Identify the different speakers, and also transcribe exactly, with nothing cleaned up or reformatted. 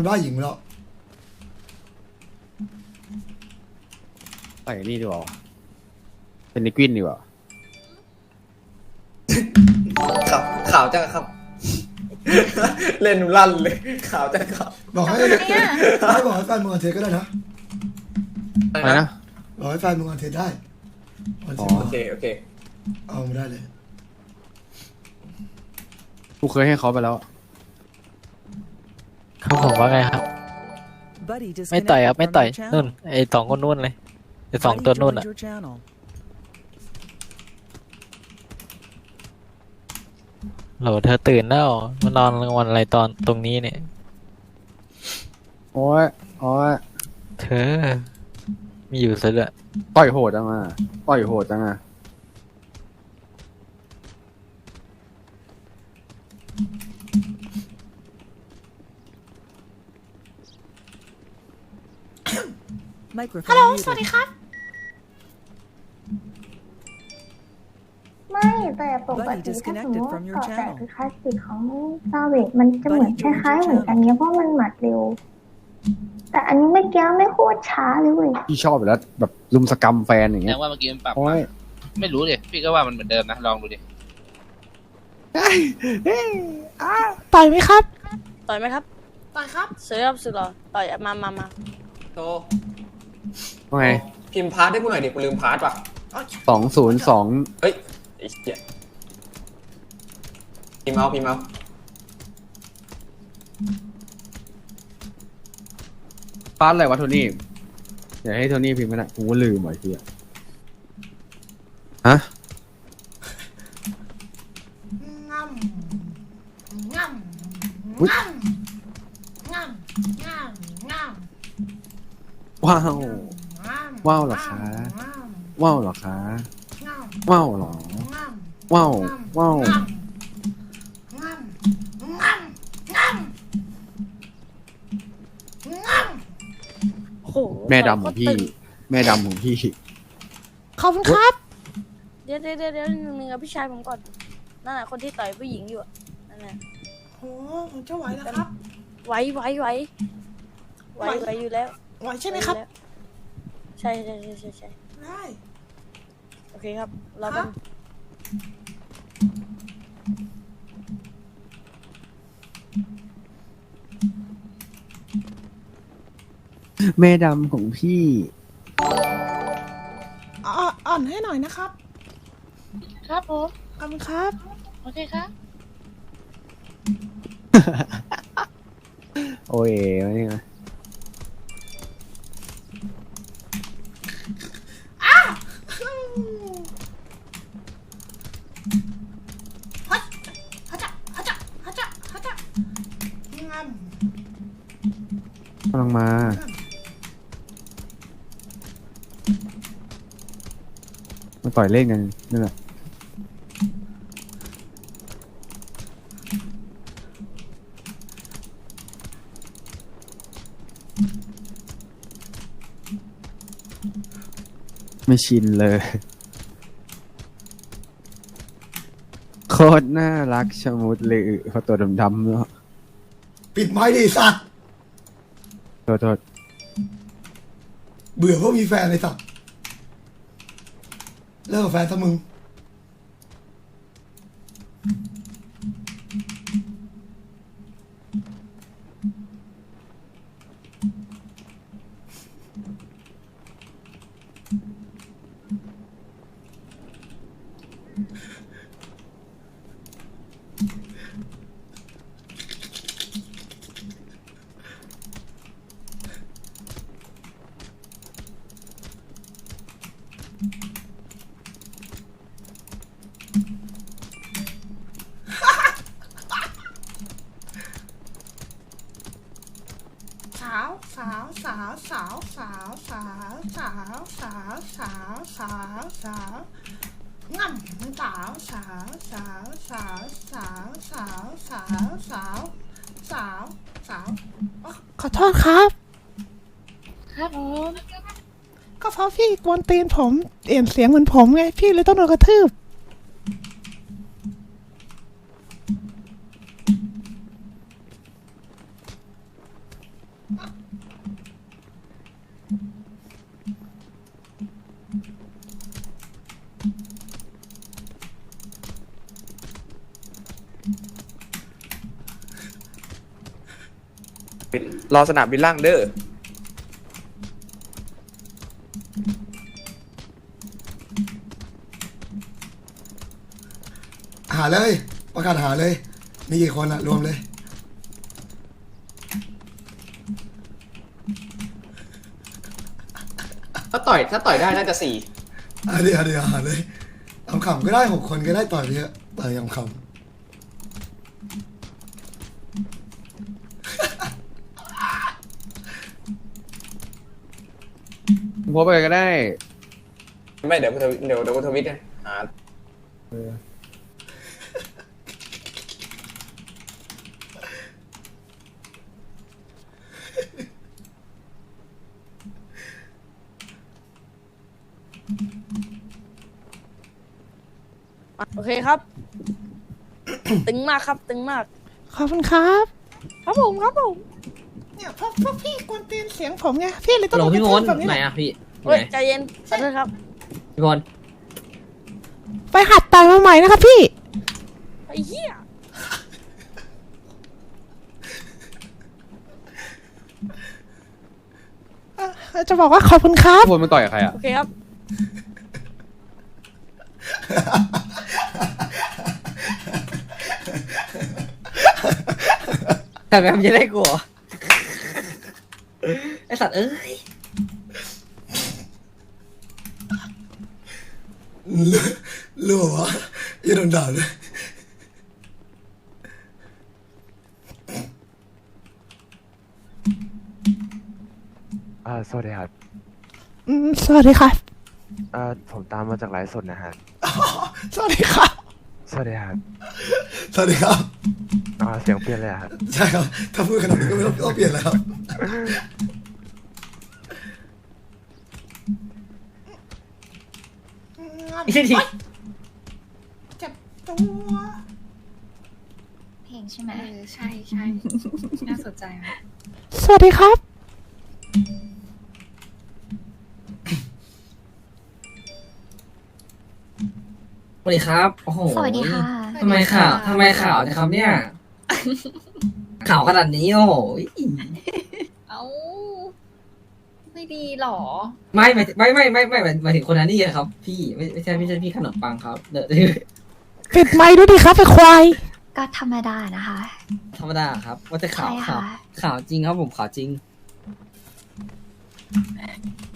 Speaker 1: บ้าหญิงแล้ว
Speaker 2: ใส่นี่ดีกว่าเป็นนิกวินดีกว่า
Speaker 3: ขับข่าวจังครับ เล่นลั่นเลยข่าวจังครับ
Speaker 1: บอกให้ให้บอกให้แฟนมึงอันเทสก็ได้นะ
Speaker 2: อะไรนะ
Speaker 1: บอกให้แฟนมึงอันเทสได้อันเทส
Speaker 3: โอเคโอเค
Speaker 1: เอาไม่ได้เลย
Speaker 2: กูเคยให้เขาไปแล้ว
Speaker 4: เขาบอกว่าไงครับ ไม่ต่อยครับไม่ต่อยนู่นไอ้สองคนนู่นเลยไอ้สองตัวนู่นอ่ะโหลเธอตื่นแล้วมานอนกลางวันอะไรตอนตรงนี้เนี่ย
Speaker 2: โอ้ยโอ้ย
Speaker 4: เธอมีอยู่ซะด้วย
Speaker 2: ต่อยโหดจังอ่ะต่อยโหดจังอ่ะ
Speaker 5: ฮัลโหลสวัสดีครับ
Speaker 6: ไม่แต่ปกติถ้าสมมติว่าเกาะแตกคือคลาสสิกของซาเวจมันจะเหมือนคล้ายๆเหมือนกันเนี้ยเพราะมันหมัดเร็ว แต่อันนี้ไม่แก้วไม่โคตรช้าเลยเว้ย
Speaker 2: พี่ชอบอยู่แล้วแบบลุมสกรรมแฟนอย่าง
Speaker 7: แส
Speaker 2: เงี้
Speaker 7: ด
Speaker 2: ย
Speaker 7: งว่าเมื่อกี้มันปรับ
Speaker 2: โอ้
Speaker 7: มาย ไม่รู้ดิพี่ก็ว่ามันเหมือนเดิมนะลองดูดิ
Speaker 5: ต่อยไหมครับ
Speaker 8: ต่อยไหมครับ
Speaker 5: ต่อยครับ
Speaker 8: ซื้อครับซื้อเหรอต่อยมามามา
Speaker 3: โต
Speaker 2: ว่าไง
Speaker 3: พิมพ์พาร์ทให้กูหน่อยดิกูลืมพาร์ทว่ะ
Speaker 2: สองศูนย์สอง
Speaker 3: เฮ้ยไอ้เหี้ยพิมพ์เอาพิมพ์เอา
Speaker 2: พาร์ทอะไรวะโทนี่อย่าให้โทนี่พิมพ์ไม่ได้กูก็ลืมไว้ทีอะฮะ
Speaker 5: ง่ำง่ำ
Speaker 2: อุ๊ย
Speaker 5: ง่ำง่ำง่ำง่ำ
Speaker 2: ว้าว
Speaker 5: ง่ำ
Speaker 2: ว้าวเหรอคะ
Speaker 5: ง่ำ
Speaker 2: ว้าวเหรอคะ
Speaker 5: ง่ำ
Speaker 2: ว้าวเหรอ
Speaker 5: ง่ำ
Speaker 2: ว้าวว้าว
Speaker 5: ง่ำง่ำง่ำง่ำง่ำ
Speaker 8: โอ้โห
Speaker 2: แม่ดำของพี่
Speaker 8: ตึง
Speaker 2: แม่ดำของพี่
Speaker 5: ขอบคุณครับ
Speaker 8: เดี๋ยวเดี๋ยวเดี๋ยวเดี๋ยวหนึ่งกับพี่ชายผมก่อนนั่นแหละคนที่ต่อยผู้หญิงอยู่อะนั่นแหละ
Speaker 5: โอ้ผมจะไหวแล้วครับ
Speaker 8: ไหวไหวไหวไหวไหวอยู่แล้ว
Speaker 5: ไหวใช่ไหมครับ
Speaker 8: วอยู่แล้วใช่ใช่ใช่ใช่ใช่
Speaker 5: ได้
Speaker 8: โอเคครับรอ
Speaker 5: ค
Speaker 8: กั
Speaker 5: รั
Speaker 8: น
Speaker 5: บ
Speaker 2: แม่ดำของพี่
Speaker 5: อ่ออ่อนให้หน่อยนะครับ
Speaker 8: ครับผม
Speaker 5: ขอบคุณครับ
Speaker 8: โอเคครับ
Speaker 2: โอ้ยไม่ไง
Speaker 5: ฮัจฮัจฮัจฮัจฮัจงาม
Speaker 2: กำลังมามาต่อยเล่นกันนั่นแหละไม่ชินเลย โคตรน่ารักชะมุดเลยเพราะตัวดำๆเนาะ
Speaker 1: ปิดไม้ดิสัตว์
Speaker 2: โทษโทษ
Speaker 1: เบื่อพวกมีแฟนเลยสัตว์เลิกกับแฟนซะมึง
Speaker 5: สาวสาวสาวสาวสาวสาวสาวสาวสาวสาวสาวง่ำสาวสาวสาวสาวสาวสาวสาวสาวสาวสาวขอโทษครับ
Speaker 8: ครับผม
Speaker 5: ก็เพราะพี่กวนตีนผมเปลี่ยนเสียงเหมือนผมไงพี่เลยต้องโดนกระทืบ
Speaker 3: รอสนามบินล่างเด้อ
Speaker 1: หาเลยประกาศหาเลย มีกี่คนอะรวมเลย
Speaker 3: ถ้าต่อยถ้าต่อยได้น่าจะสี่
Speaker 1: อ่ะเดี๋ยวเดี๋ยวหาเลยขำๆก็ได้หกคนก็ได้ต่อยไปเยอะต่อยขำ
Speaker 2: โพสต์ไปก็ได้
Speaker 3: ไม่เดี๋ยวกูทวิตเดี๋ยวเดี๋ยวกูทวิตนะหา
Speaker 8: โอเคครับ ตึงมากครับ ตึงมาก
Speaker 5: ขอบคุณครับ
Speaker 8: ครับผมครับผม
Speaker 5: เนี่ยพวกพวกพี่กวนตีนเสียงผมไงพี่เลยต้อง
Speaker 9: หลงพี่มน
Speaker 5: แบบนี้
Speaker 9: ไหน
Speaker 5: แหละ
Speaker 9: อะพี่
Speaker 8: เฮ้ยใจเย็นขอโทษครับ
Speaker 9: พี่มน
Speaker 5: ไปหัดต่อยมาใหม่นะครับพี่
Speaker 8: ไอ้เหี้ย
Speaker 5: เอ่อจะบอกว่าขอบคุณครับ
Speaker 2: โพสต์มันต่อยกับใครอ่ะ
Speaker 8: โอเคครับ
Speaker 9: แต่แบบมันจะได้กลัวไอสัตว์เอ้ย
Speaker 1: ๆเลือเลือวะอย่าโดนด่าเลย
Speaker 10: อ่าสวัสดีครับ
Speaker 5: อืมสวัสดีครับ
Speaker 10: อ่าผมตามมาจากไลฟ์สดนะฮะ
Speaker 1: อ๋อสวัสดีครับ
Speaker 10: สวัสดีครับ
Speaker 1: สวัสดีครับ
Speaker 10: อ่าเสียงเปลี่ยนเลยอะครับ
Speaker 1: ใช่ครับ ถ้าพูดขนาดนี้ก็ไม่ต้องต้องเปลี่ยนแล้วครับ
Speaker 9: อีกที
Speaker 5: เจ็บตัว
Speaker 6: เพลงใช่ไหม
Speaker 11: ใช่ใช่น่าสนใจไหม
Speaker 5: สวัสดีครับ
Speaker 9: สวัสดีครับโอ้โห
Speaker 6: สวัสดีค่ะ
Speaker 9: ทำไมข่าวทำไมข่าวนะครับเนี่ย ข่าวขนาดนี้โอ้โห
Speaker 11: เอ้า ไม่ดีหรอ
Speaker 9: ไม่ไม่ไม่ไม่ไม่ไม่หมายถึงคนนั้นนี่ครับ พี่ไม่ไม่ใช่ไม่ใช่พี่ขนมปังครับเดี๋ยว
Speaker 5: ปิดไมค์ด้วยดิครับไอ้ควาย
Speaker 6: ก็ธรรมดานะคะ
Speaker 9: ธรรมดาครับ ว่าจะข่าว
Speaker 6: ใช่
Speaker 9: ข่าว
Speaker 6: ค่ะ
Speaker 9: ข่าวจริงครับผมข่าวจริง